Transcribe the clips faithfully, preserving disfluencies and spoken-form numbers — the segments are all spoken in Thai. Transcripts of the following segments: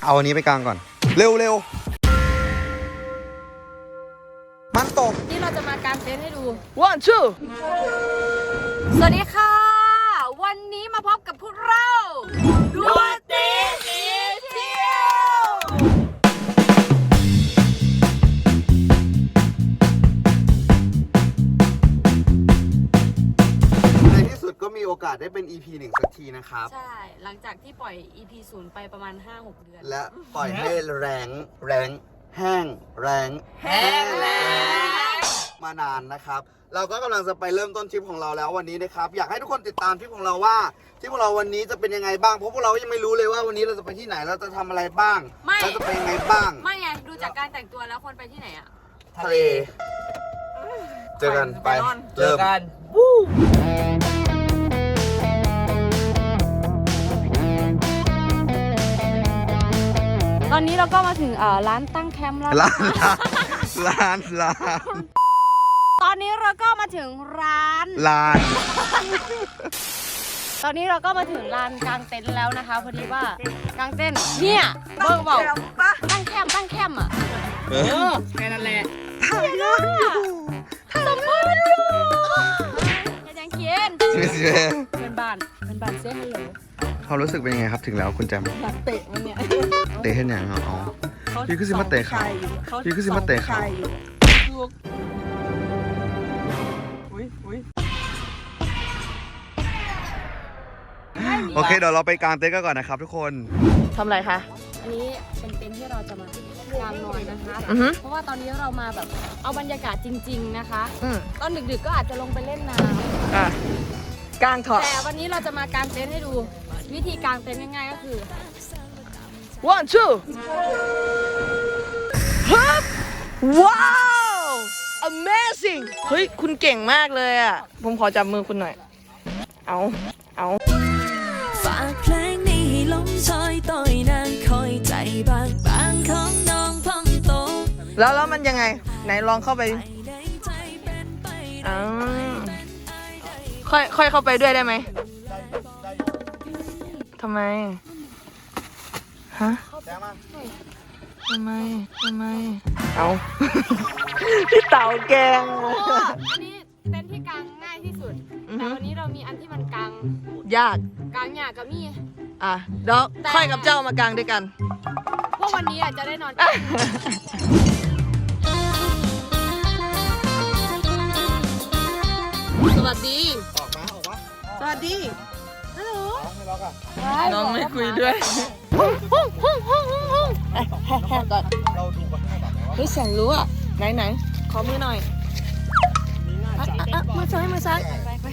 เอาอันนี้ไปกลางก่อนเร็วเร็วมันตกนี่เราจะมากางเต็นท์ให้ดู one two สวัสดีค่ะ วันนี้มาพบกับพวกเราดวงตีสีเที่ยวในที่สุดก็มีโอกาสได้เป็น อี พี หนึ่งสักทีนะครับใช่หลังจากที่ปล่อย อี พี ศูนย์ไปประมาณ ห้าหก เดือนและปล่อยให้แรงแรงแห้งแรงแห้งแรงมานานนะครับเราก็กำลังจะไปเริ่มต้นทริปของเราแล้ววันนี้นะครับอยากให้ทุกคนติดตามทริปของเราว่าทริปของเราวันนี้จะเป็นยังไงบ้างเพราะพวกเรายังไม่รู้เลยว่าวันนี้เราจะไปที่ไหนเราจะทำอะไรบ้างเราจะไปยังไงบ้างไม่ไงดูจากการแต่งตัวแล้วคนไปที่ไหนอะทะเลเจอกันไปเจอกันตอนนี้เราก็มาถึงร้านตั้งแคมป์แล้วร้านร้านร้านตอนนี้เราก็มาถึงร้านร้านตอนนี้เราก็มาถึงลานกางเต็นท์แล้วนะคะพอดีว่ากางเต็นท์เนี่ยเบิร์กบอกตั้งแคมป์ตั้งแคมป์อ่ะเออแค่นั้นแหละทำงานอยู่ทำงานอยู่ยังเขียนเพื่อนบ้านเพื่อนบ้านเซ่ฮัลโหลเขารู้สึกเป็นยังไงครับถึงแล้วคุณแจมอยากเตะมันเนี่ยเตะให้อย่างอ๋อพี่คือซิมาเตะเขาพี่คือซิมาเตะเขาโอเคเดี๋ยวเราไปกางเต็นท์กันก่อนนะครับทุกคนทำอะไรคะอันนี้เป็นเต็นท์ที่เราจะมากางนอนนะคะเพราะว่าตอนนี้เรามาแบบเอาบรรยากาศจริงๆนะคะตอนดึกๆก็อาจจะลงไปเล่นน้ำกางถอดแต่วันนี้เราจะมากางเต็นท์ให้ดูวิธีกางเต็นท์ง่ายๆก็คือ one two ฮึบว้าว amazing เฮ้ยคุณเก่งมากเลยอ่ะผมขอจับมือคุณหน่อยเอาเอาฝากเพลงนี้ให้ลมซอยต่อยนางคอยใจบางบางของน้องพองโตแล้วแล้วมันยังไงไหนลองเข้าไปอ๋อค่อยค่อยเข้าไปด้วยได้ไหมทำไมฮะทำไมทำไมเอาพี่เต่าแกงอันนี้เต็นท์ที่กางง่ายที่สุดแต่วันนี้เรามีอันที่มันกางยากกางยากกับมี่อ่ะเดี๋ยวค่อยกับเจ้ามากางด้วยกันเพราะวันนี้อาจจะได้นอนสวัสดีออกมาออกมาสวัสดีฮัลโหลน้องไม่คุยด้วยแฮ่ก่อนเฮ้ยเสียงรู้อ่ะไหนไหนขอมือหน่อยมือซ้ายมือซ้ายไปไป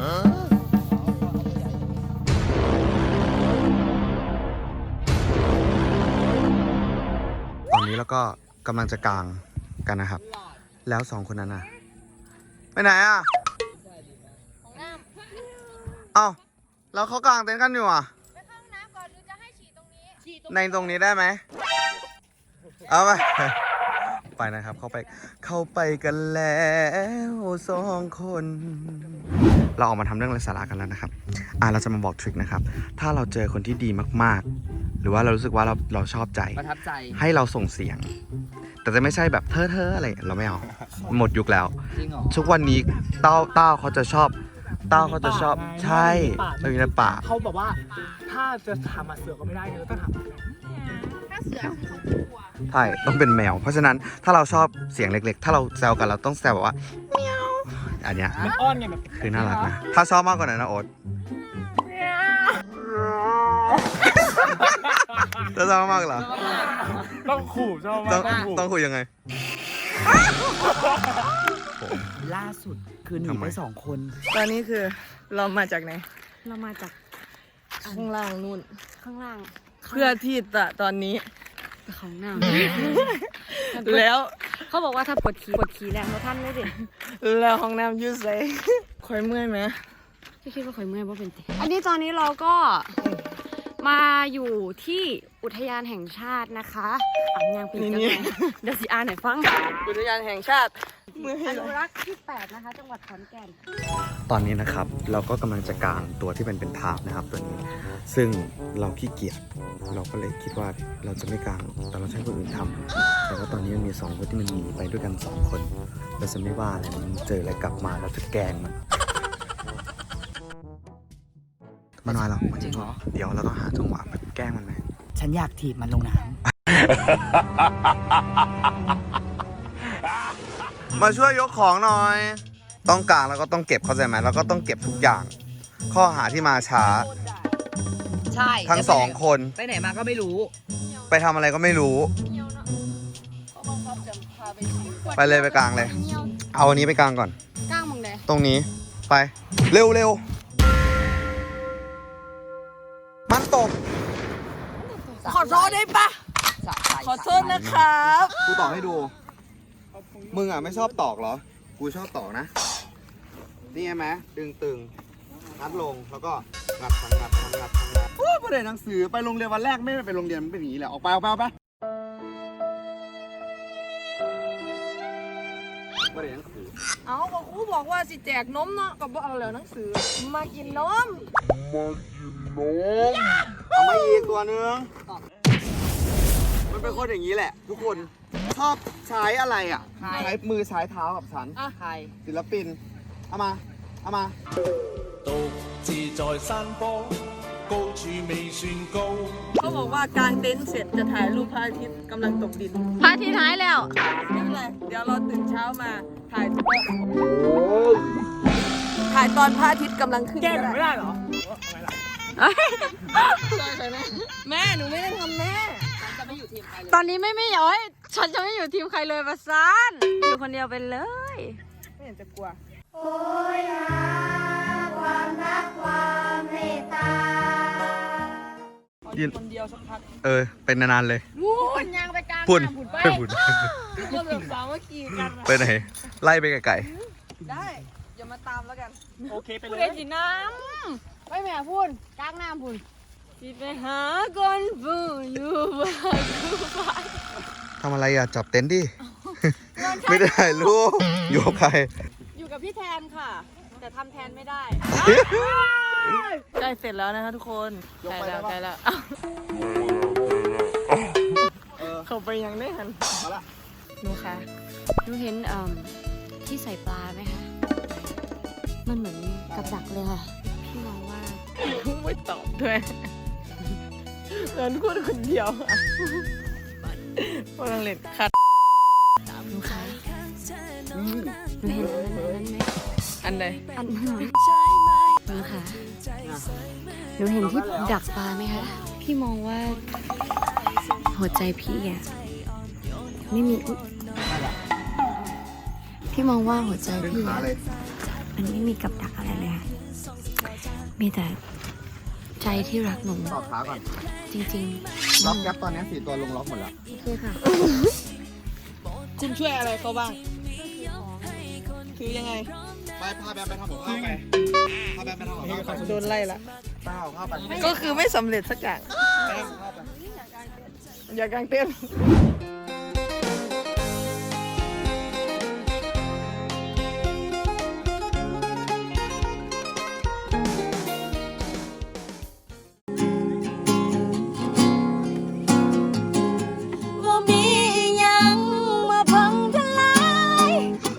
ตอนนี้เราก็กำลังจะกางกันนะครับแล้วสองคนนั้นน่ะไปไหนอ่ะเอ้าแล้วเขากางเต็นท์กันอยู่อ่ะไปเข้าห้องน้ำก่อนหรือจะให้ฉี่ตรงนี้ในตรงนี้ได้ไหมเอาไปไปนะครับเข้าไปเข้าไปกันแล้วสองคนเราออกมาทำเรื่องไร้สาระกันแล้วนะครับอ่ะเราจะมาบอกทริคนะครับถ้าเราเจอคนที่ดีมากๆหรือว่าเรารู้สึกว่าเราเราชอบใจประทับใจให้เราส่งเสียงแต่จะไม่ใช่แบบเธอเธออะไรเราไม่เอาหมดยุคแล้วทุกวันนี้เต้าเต้าเขาจะชอบเต้าเขาจะชอบใช่เราอยู่ในป่าเขาบอกว่าถ้าจะทำเสือก็ไม่ได้เลยต้องทำถ้าเสือเขากลัวใช่ต้องเป็นแมวเพราะฉะนั้นถ้าเราชอบเสียงเล็กๆถ้าเราแซวกันเราต้องแซวแบบว่าเมียวอันเนี้ยมันอ้อนไงแบบคือน่ารักนะถ้าชอบมากกว่านั้นนะโอ๊ตจะชอบมากเหรอต้องขู่ชอบมากต้องขู่ยังไงล่าสุดคือหนีไปสองคนตอนนี้คือเรามาจากไหนเรามาจากข้างล่างนู่นข้างล่างเพื่อที่จะตอนนี้ของน้ำแล้วเขาบอกว่าถ้าปวดขี้ปวดขี้แรงเราท่านไม่เด็ดแล้วห้องน้ำยืดใส่คอยเมื่อยไหมพี่คิดว่าคอยเมื่อยเพราะเป็นติอันนี้ตอนนี้เราก็มาอยู่ที่อุทยานแห่งชาตินะคะอ่างยางเป็นจังไงเดี๋ยวสิอ่านหน่อยฟังอุทยานแห่งชาติอนุรักษ์ที่แปดนะคะจังหวัดขอนแก่นตอนนี้นะครับเราก็กำลังจะกางตัวที่เป็นเป็นทาบนะครับตัวนี้ ซึ่งเราขี้เกียจเราก็เลยคิดว่าเราจะไม่กางแต่เราใช้คนอื่นทำแต่ว่าตอนนี้มันมีสองคนที่มันหนีไปด้วยกันสองคนเราจะไม่ว่าอะไรมันเจออะไรกลับมาเราจะแกล้งมันมันน้อยเราจริงเหรอเดี๋ยวเราต้องหาจังหวะแบบแกล้งมันไหมฉันอยากถีบมันลงน้มาช่วยยกของหน่อย ต้องกางแล้วก็ต้องเก็บเข้าใจไหมแล้วก็ต้องเก็บทุกอย่าง ข้อหาที่มาช้าำใช่ทั้งสองคนไปไหนมาก็ไม่รู้ไปทำอะไรก็ไม่รู้ ไปเลยไปกลางเลย เอาอันนี้ไปกลางก่อนก้างมึงเลยตรงนี้ไปเร็วเร็วมันตกขอโทษได้ปะขอโทษนะครับกูตอกให้ดู มึงอ่ะไม่ชอบตอกเหรอ กูชอบตอกนะ นี่ไงไหมดึงตึงงัดลงแล้วก็งัดทังงัดทังงัดทังงัดโอ้ประเด็นหนังสือไปโรงเรียนวันแรกไม่ได้ไปโรงเรียนมันเป็นอย่างนี้แหละออกไปออกไปออกไปประเด็นหนังสือเอาก็ครูบอกว่าสิแจกนมเนาะก็บอกเอาแล้วหนังสือ มากินนมเอามาอีกตัวนึงมันเป็นคนอย่างนี้แหละ ทุกคนชอบใช้อะไรอ่ะ ใช้มือใช้เท้ากับฉันอ่ะใครศิลปิน เอามา เอามา獨自在山坡，高處未算高。 เขาบอกว่ากางเต็นท์เสร็จจะถ่ายรูปพระอาทิตย์กำลังตกดินพระอาทิตย์หายแล้วไม่เป็นไร เดี๋ยวเราตื่นเช้ามาถ่ายถ่ายตอนพระอาทิตย์กำลังขึ้นแก้ก็กันไม่ได้ได้เหรอทำไมล่ะแม่หนูไม่ได้ทำแม่ตอนนี้ไม่ไม่ย้อยฉันจะไม่อยู่ทีมใครเลยประสานอยู่คนเดียวไปเลยไม่เห็นจะกลัวยืนคนเดียวสักพักเออ เป็นนานๆเลยวูนยางไปกลางพุ่นน้ำพุ่นไปไปพุ่นก็แบบสามัคคีกันไปไหน ไล่ไปไกลได้ อย่ามาตามแล้วกันโอเคไปพูเลดยได้สิน้ำไปแม่พุ่นกลางน้ำพุ่นสิไปหาคนผู้อยู่บ้านกูไปๆทำอะไรอ่ะ จับเต็นท์ดิ ไม่ได้ลูกอยู่กับใครอยู่กับพี่แทนค่ะ แต่ทำแทนไม่ได้ใกล้เสร็จแล้วนะคะทุกคนใกล้แล้วใกล้แล้วเขาไปยังได้หันหนูคะหนูเห็นเอ่มที่ใส่ปลาไหมคะ มันเหมือนกับดักเลยค่ะ พี่มองว่าไม่ตอบด้วยเงินพูดคนเดียวพลังเล่นคัดหนูคะหนูเห็นอันนั้นอันนั้นไหมอันใดอันนั้นหนูคะหนูเห็นที่ดักปลาไหมคะ พี่มองว่าหัวใจพี่อะไม่มีอุ๊ยพี่มองว่าหัวใจดึงพี่ขาอะเลยมันไม่มีกับดักอะไรเลยค่ะมีแต่ใจที่รักหนูตอบขาก่อนจริงๆล็อกแก๊ปตอนนี้สี่ตัวลงล็อกหมดแล้วโอเคค่ะคุณช่วยอะไรเขาบ้าง คือยังไงไปพาแบมไปทำของข้าวไปพาแบมไปทำของข้าวไปโดนไล่ละไปเอาข้าวไปก็คือไม่สำเร็จสักอย่างแบมข้าวไปอย่ากางเต้นท์ว่ามีหยังมาพังทลาย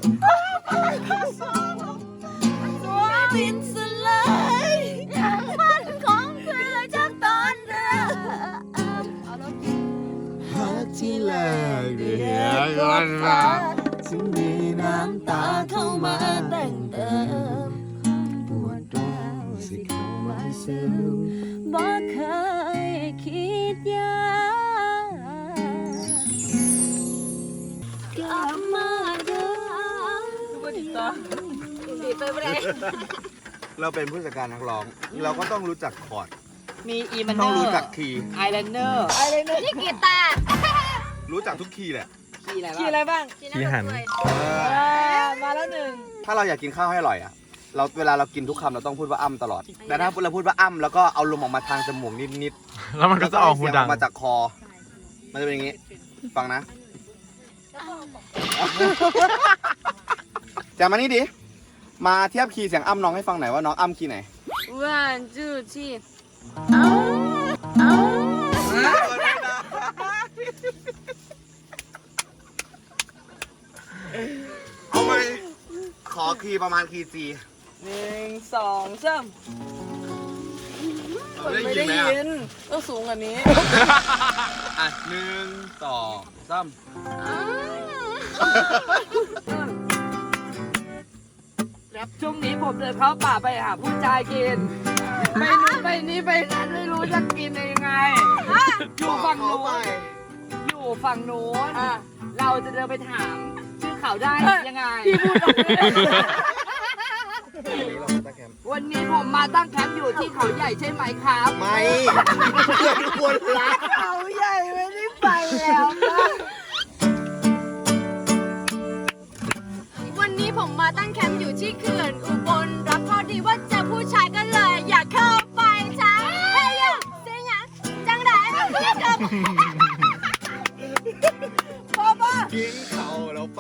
ตัวดินสลายมันของเธอจากตอนเริ่มฮักที่แรกเดียก็ฟ้าจึงมีน้ำตาเข้ามาแต่งเติมปวดร้าวสิเข้ามาเสริมบ่เคยคิดอยากกลับมาเดิมเราเป็นผู้จัดการนักร้อง เราก็ต้องรู้จักคอร์ดมีอีมันเนต้องอรู้ร์จักคีย์ไอแลนเนอร์ไอแลนเนอร์นี่กีตาร์รู้จักทุกคีย์แหละขี่อะไรบ้างที่หันมาแล้วหนึ่งถ้าเราอยากกินข้าวให้อร่อยอ่ะ เราเวลาเรากินทุกคำเราต้องพูดว่าอ้ำตลอด แต่ถ้าเราพูดว่าอ้ำแล้วก็เอาลมออกมาทางจมูกนิดๆแล้วมันก็จะออกหูดังแล้วก็ให้เสียออกมาจากคอ มันจะเป็นอย่างนี้ ฟังนะ แจมมานี่ดิมาเทียบคีย์เสียงอ้ำน้องให้ฟังหน่อยว่าน้องอ้ำคีย์ไหน one two three เอาเอาเอาไหมขอคีย์ประมาณคีย์จีหนึ่งสองสามได้ไม่ยินได้ไหมยินต้องสูงกว่านี้อ่ะหนึ่งสองสามครับช่วงนี้ผมเดินเข้าป่าไปหาผู้ชายกิน ไปนู้นไปนี้ไปนั้นไม่รู้จะกินยังไง อยู่ฝั่งนู้นอยู่ฝั่งนู้นเราจะเดินไปถาม ชื่อเขาได้ยังไงพี่พูดตรงนี้วันนี้ผมมาตั้งแคมป์อยู่ที่เขาใหญ่ใช่ไหมครับไม่เพื่อนคนรักเขาใหญ่ไม่ได้ไปแล้วนะวันนี้ผมมาตั้งแคมป์อยู่ที่เขื่อนอุบลรับพอดีว่าเจอผู้ชายก็เลยอยากเข้าไปจ้าเฮ้ยยังเสียงยังจังได้เรียกกับพ่อบ้ากินเขาเราไป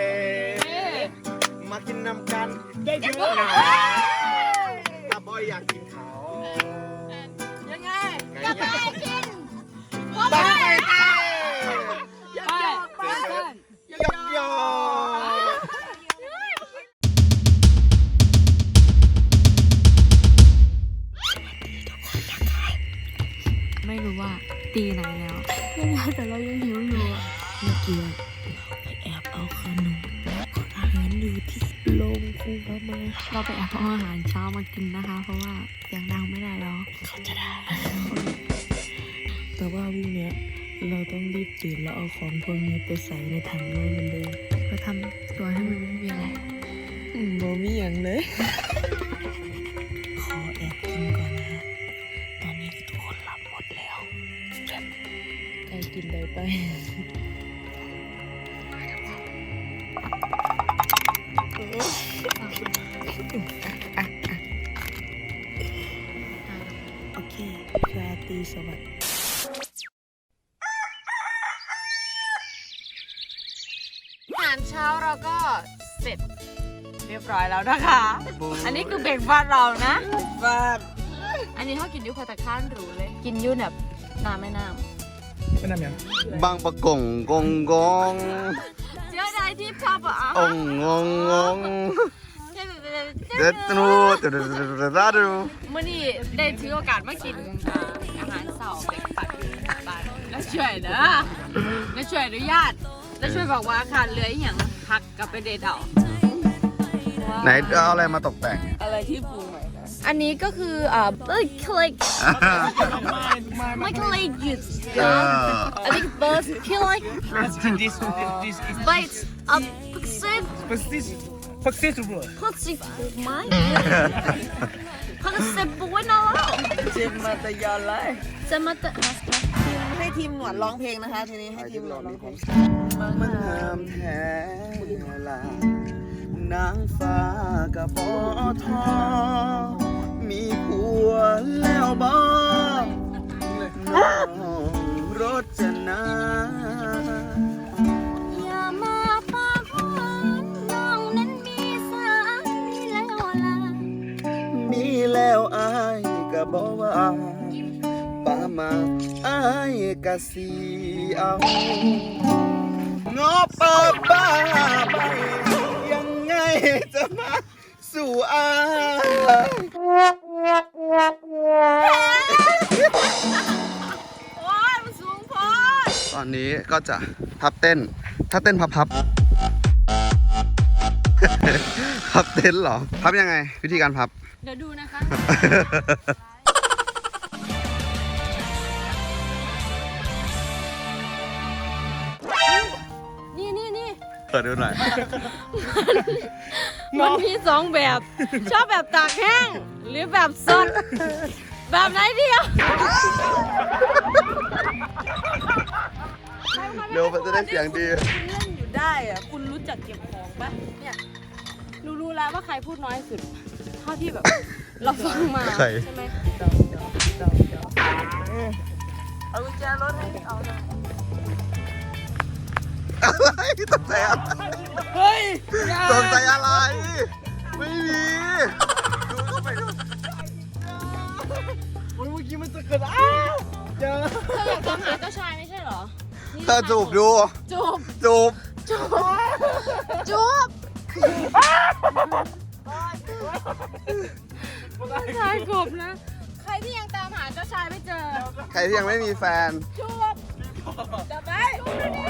มากินน้ำกันได้เยอะนะถ้าบอยอยากกินเขายังไงจะไปกินไปอย่าหยอกไปยกยอไม่รู้ว่าตีไหนแล้วแต่เรายังหิวอยู่อะเมื่อกี้เราไปแอบเอาขนมอาหารอยู่ที่โรงครัวมาเราไปแอบเอาอาหารเช้ามากินนะคะ เพราะว่าเสียงดังไม่ได้แล้วเขาจะได้ แต่ว่าพรุ่งเนี้ยเราต้องรีบตื่นแล้วเอาของพวกนี้ไปใส่ในถังไว้เหมือนเดิมก็ทำตัวให้มันไม่มีอะไรอืมบ่มีอย่างเลย ขอแอบกินก่อนนะฮะ ตอนนี้ทุกคนหลับหมดแล้วใครกินได้ไป โอเคราตรีสวัสดิ์อาหารเช้าเราก็เสร็จเรียบร้อยแล้วนะคะ อันนี้คือเบรกฟาสต์เรานะฟาดอันนี้เขากินอยูพัตตาคารหรูเลย กินอยูแบบน้ำไม่น้เป็นอะไรเนี่ยบางประกงกงกงำเจ้าใดที่ชอบอ่ะองงงงงเด็ดนูเด็ดเด็ดดูเมื่อนี้ได้ถือโอกาสมากินอ่าอาหารเสาร์เบรกฟาสต์บ้านแล้วช่วยนะแล้วช่วยอนุญาตแล้วช่วยบอกว่าขาดเหลืออหย่างพักกับไปเดทเอาไหนเอาอะไรมาตกแต่งอะไรที่ปรุงใหม่นะอันนี้ก็คืออ่าเอ้ยคลิกไม่คลิกหยุดเอออันนี้เบิร์สคลิก this this is ไบต์อัพพิกซิต this potato พักสิไหมพักสิบปุ้ยน้องเจมมาตะยอนเลยจะมาแต่ให้ทีมหนวดร้องเพลงนะคะ ทีนี้ให้ทีมหนวดร้องเพลงมันงามแท้ลานางฟ้ากับปอทอมีผัวแล้วบ่น้องรจนาอย่ามาปากหวานน้องนั้นมีสามีแล้วล่ะมีแล้วอายก็บอกว่าป้ามาอายก็สีเอางอป้าป้าไปยังไงจะมาสู่อายโอ้ยมันสูงพอตอนนี้ก็จะพับเต้น ถ้าเต้นพับพับ พับเต้นเหรอ พับยังไง วิธีการพับเดี๋ยวดูนะคะ นี่นี่นี่เปิดดูหน่อยมันมีสองแบบ ชอบแบบตากแห้ง หรือแบบสด แบบไหนเดียวเร็วมันจะได้เสียงดีเล่นอยู่ได้อะคุณรู้จักเก็บของปะเนี่ยรู้รู้แล้วว่าใครพูดน้อยสุด เท่าที่แบบ เราฟังมาใครใช่ไหมเอากุญแจรถให้เอาหน่อยอะไรตกใจอะไรเฮ้ยตกใจอะไรไม่มีดูเข้าไปดูโอ้ยเมื่อกี้มันจะเกิดอ้าวเจอเธออยากตามหาเจ้าชายไม่ใช่เหรอเธอจูบดูจูบจูบจูบ จูบชายกบนะ ใครที่ยังตามหาเจ้าชายไม่เจอใครที่ยังไม่มีแฟนจูบจับไปจูบดี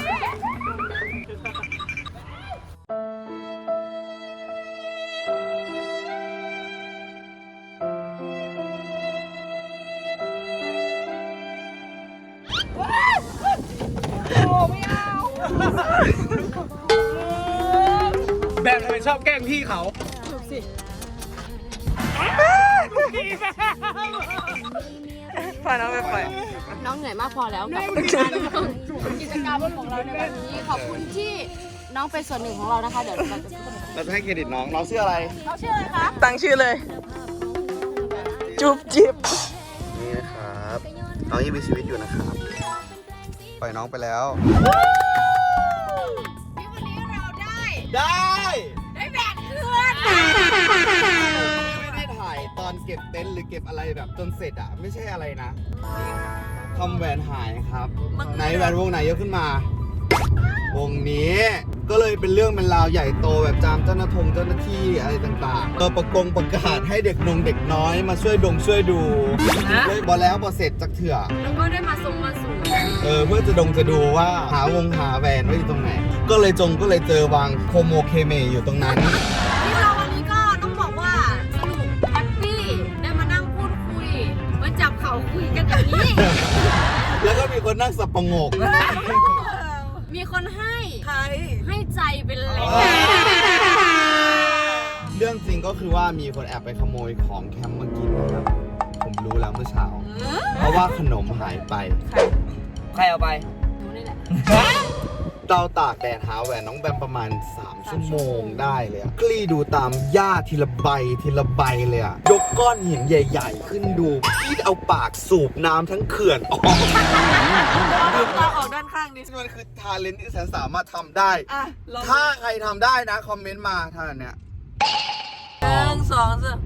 โอ้ไม่เอาแบบทำไมชอบแกล้งพี่เขาจูบสิพาน้องไปปล่อยน้องเหนื่อยมากพอแล้วกับกิจกรรมของเราในวันนี้ขอบคุณที่น้องเป็นส่วนหนึ่งของเรานะคะ เดี๋ยวเราจะพูดเราจะให้เครดิตน้อง น้องชื่ออะไรน้องชื่ออะไรคะตั้งชื่อเลย จุบจิบนี่นะครับ น้องยังมีชีวิตอยู่นะครับ ปล่อยน้องไปแล้วที่วันนี้เราได้ได้ได้แบกเพื่อนไม่ได้ถ่ายตอนเก็บเต็นท์หรือเก็บอะไรแบบจนเสร็จอ่ะ ไม่ใช่อะไรนะทำแหวนหายครับ ไหนแหวนวงไหนยกขึ้นมา วงนี้ ก็เลยเป็นเรื่องเป็นราวใหญ่โตแบบจามเจ้าหน้าทงเจ้าหน้าที่อะไรต่างๆเออประกงประกาศให้เด็กนงเด็กน้อยมาช่วยดงช่วยดูเลยบอแล้วบอเสร็จจากเถื่อแล้วก็ได้มาทรงมาสู่เออเพื่อจะดงจะดูว่าหาวงหาแหวนไว้อยู่ตรงไหน ก็เลยจงก็เลยเจอวางโคโมเคเมอยู่ตรงนั้นที่เราวันนี้ก็ต้องบอกว่าสนุกแฮปปี้ได้มานั่งพูดคุยมาจับเขาคุยกันอย่างนี้แล้วก็มีคนนั่งสับประงกมีคนให้ให้ใจเป็นแรงเรื่องจริงก็คือว่ามีคนแอบไปขโมยของแคมป์มากินนะครับ ผมรู้แล้วเมื่อเช้า เพราะว่าขนมหายไปใครเอาไปดูนี่แหละเราตากแดดหาแหวนน้องแบมประมาณสามชั่วโมงได้เลยอะกลี้ดูตามหญ้าทีละใบทีละใบเลยอะยกก้อนหินใหญ่ๆ ขึ้นดูพี่เอาปากสูบน้ำทั้งเขื่อนออกตาออกด้านข้างดิมันคือทาเลนที่ฉันสามารถทำได้ ถ้าใครทำได้นะ คอมเมนต์มาท่าเนี้ยหนึ่งสองสาม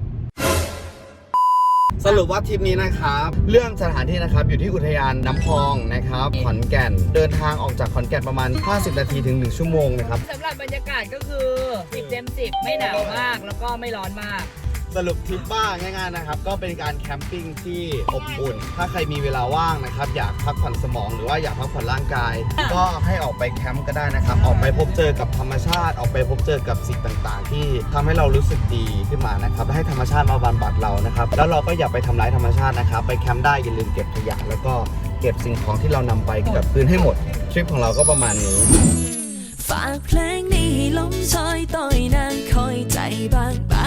สรุปว่าทริปนี้นะครับ เรื่องสถานที่นะครับอยู่ที่อุทยานน้ำพองนะครับขอนแก่นเดินทางออกจากขอนแก่นประมาณห้าสิบนาทีถึงหนึ่งชั่วโมงนะครับสำหรับบรรยากาศก็คือสิบเต็มสิบไม่หนาวมากแล้วก็ไม่ร้อนมากสรุปทริปบ้างง่ายๆนะครับก็เป็นการแคมปิ้งที่อบอุ่น ถ้าใครมีเวลาว่างนะครับอยากพักผ่อนสมองหรือว่าอยากพักผ่อนร่างกาย ก็ให้ออกไปแคมป์ก็ได้นะครับออกไปพบเจอกับธรรมชาติ ออกไปพบเจอกับสิ่งต่างๆ ที่ทำให้เรารู้สึกดีขึ้นมานะครับให้ธรรมชาติมาบำบัดเรานะครับแล้วเราก็อย่าไปทำร้ายธรรมชาตินะครับไปแคมป์ได้อย่าลืมเก็บขยะแล้วก็เก็บสิ่งของที่เรานำไปกลับคืนให้หมดทริปของเราก็ประมาณนี้ฝากเพลงนี้ให้ลมชอยต่อยนางคอยใจบางไป